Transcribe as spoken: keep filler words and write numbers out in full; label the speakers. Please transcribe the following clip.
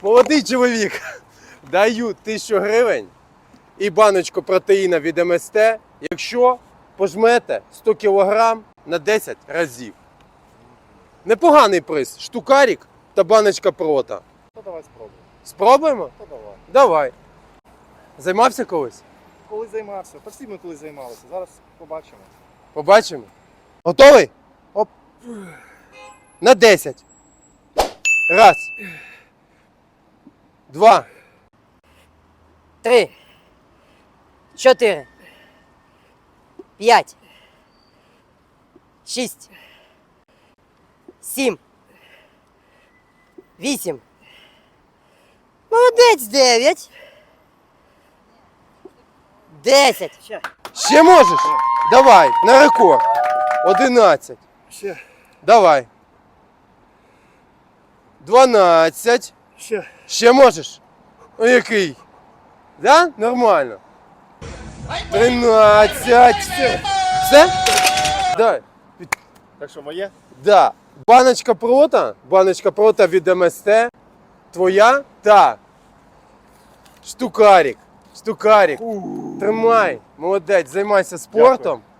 Speaker 1: Молодий чоловік, даю тисячу гривень і баночку протеїна від ем ес те, якщо пожмете сто кілограм на десять разів. Непоганий приз. Штукарик та баночка прота.
Speaker 2: То давай спробуємо.
Speaker 1: Спробуємо?
Speaker 2: То давай.
Speaker 1: Давай. Займався колись?
Speaker 2: Коли займався? Та всі ми коли займалися. Зараз побачимо.
Speaker 1: Побачимо. Готовий? Оп. На десять. Раз. Два.
Speaker 3: Три. Чотири. П'ять. Шість. Сім. Вісім. Молодець, дев'ять. Десять.
Speaker 1: Ще можеш? Давай, на рекорд. Одинадцять.
Speaker 2: Ще.
Speaker 1: Давай. Дванадцять.
Speaker 2: Ще.
Speaker 1: Ще можеш? О, який? Да? Нормально. Тринадцять. Все? Все? Дай.
Speaker 2: Так що, моє?
Speaker 1: Да. Баночка прота, баночка прота від ем ес те, твоя та штукарик. Штукарик. Тримай. Молодець, займайся спортом.